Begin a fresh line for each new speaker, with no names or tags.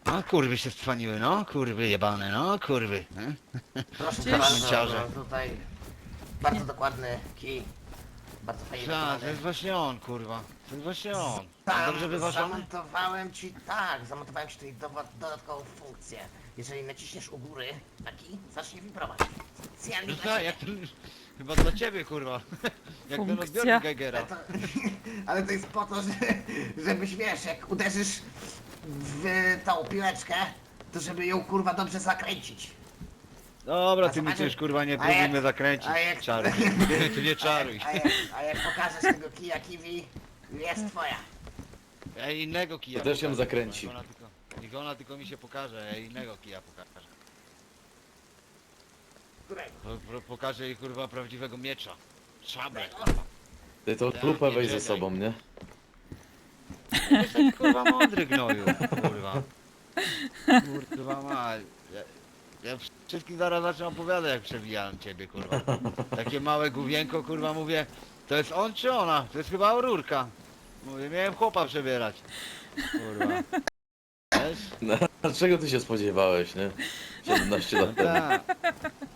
No kurwy się stwaniły, no kurwy jebane, no kurwy.
Proszę
Gdzieś-
bardzo,
Ciarze.
no tutaj bardzo dokładny kij. Bardzo fajnie
Ta, to
dokonany.
jest właśnie on, kurwa. To jest właśnie on.
Tam
Dobrze wyważony?
zamontowałem ci tutaj dodatkową funkcję. Jeżeli naciśniesz u góry taki, zacznie wibrować. Specjalnie
No
dla
tak,
ciebie.
jak ten, chyba dla ciebie, kurwa. Jak ten
Funkcja.
odbiornik
Ale
Geigera.
to, ale to jest po to, żebyś wiesz, jak uderzysz w tą piłeczkę, to żeby ją kurwa dobrze zakręcić.
Dobra,
A
ty mi
zobaczysz-
już kurwa nie
a
próbuj
jak-
mnie zakręcić.
a jak-
Czaruj. Ty nie czaruj.
A jak pokażesz tego kija kiwi, jest twoja.
Ja innego kija
To też ją
pokażę,
zakręci.
kurwa, niech ona tylko mi się pokaże, ja innego kija pokażę.
Którego?
Pokażę jej kurwa prawdziwego miecza. Szablę.
Ty to
Tak,
klupę
nie
weź ze
Jedi.
sobą, nie?
Jesteś kurwa mądry gnoju, kurwa. Kurwa ma. Ja wszystkim zaraz zacznę opowiadać jak przewijałem ciebie, kurwa. Takie małe główienko, kurwa, mówię, to jest on czy ona? To jest chyba Aurórka. Mówię, miałem chłopa przebierać. Kurwa. Wiesz?
No, czego ty się spodziewałeś, nie? 17 lat temu.
Tak.